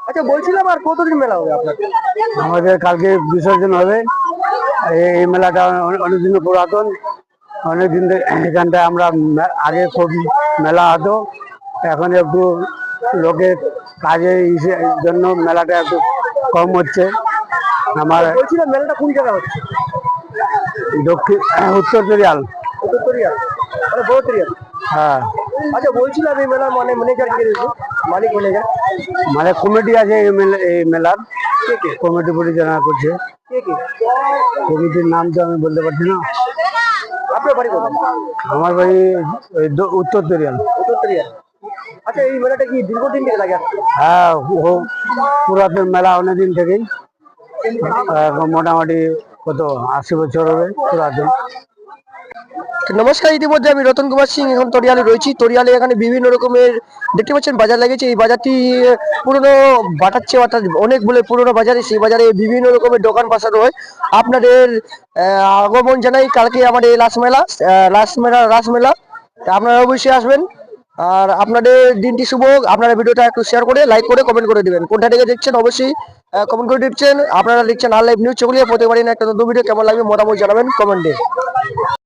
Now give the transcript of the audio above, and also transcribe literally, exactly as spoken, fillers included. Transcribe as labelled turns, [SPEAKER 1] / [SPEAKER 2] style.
[SPEAKER 1] আচ্ছা বলছিলাম আর কতদিন মেলা হবে আপনার?
[SPEAKER 2] আমাদের কালকে বিসর্জন হবে। এই মেলাটা অনেকদিন পুরাতন, অনেকদিন এখানটায় আমরা আগে খুব মেলা হতো, এখন একটু লোকের কাজের জন্য মেলাটা একটু কম হচ্ছে। আমার
[SPEAKER 1] বলছিলাম মেলাটা কোন জায়গা হচ্ছে?
[SPEAKER 2] দক্ষিণ উত্তর তরিয়াল।
[SPEAKER 1] উত্তর তরিয়াল মানে বড় তরিয়াল।
[SPEAKER 2] হ্যাঁ।
[SPEAKER 1] আচ্ছা বলছিলাম এই মেলার মানে ম্যানেজার কে রয়েছে, মালিক ম্যানেজার?
[SPEAKER 2] মানে কমিটি আছে এই মেলার, কমিটি পরিচালনা করছে।
[SPEAKER 1] কে কে?
[SPEAKER 2] কমিটির নাম তো আমি বলতে পারছি না।
[SPEAKER 1] আপনার বাড়ি কোথায়?
[SPEAKER 2] আমার বাড়ি উত্তর তরিয়াল।
[SPEAKER 1] উত্তর তরিয়াল। আচ্ছা এই মেলাটা কি দীর্ঘদিন থেকে লাগে আসছে?
[SPEAKER 2] হ্যাঁ, পুরাতন মেলা অনেকদিন থেকেই, মোটামুটি কত আশি বছর হবে পুরাতন।
[SPEAKER 1] নমস্কার, ইতিমধ্যে আমি রতন কুমার সিং এখন তরিয়ালে রয়েছি। তরিয়ালে এখানে বিভিন্ন রকমের দেখতে পাচ্ছেন বাজার লেগেছে। এই বাজারটি পুরনো বাটাচ্ছে, অর্থাৎ অনেক বলে পুরনো বাজারে, সেই বাজারে বিভিন্ন রকমের দোকান বসানো হয়। আপনাদের আগমন জানাই কালকে আমাদের লাস্ট মেলা, লাস্ট মেলা রাস মেলা, আপনারা অবশ্যই আসবেন। আর আপনাদের দিনটি শুভ। আপনারা ভিডিওটা একটু শেয়ার করে লাইক করে কমেন্ট করে দিবেন। কোনটা থেকে দেখছেন অবশ্যই কমেন্ট করে দিচ্ছেন। আপনারা লিখছেন আর লাইভ নিউজ চলিয়ে প্রতিবারই না একটা নতুন ভিডিও কেমন লাগবে মতামত জানাবেন কমেন্টে।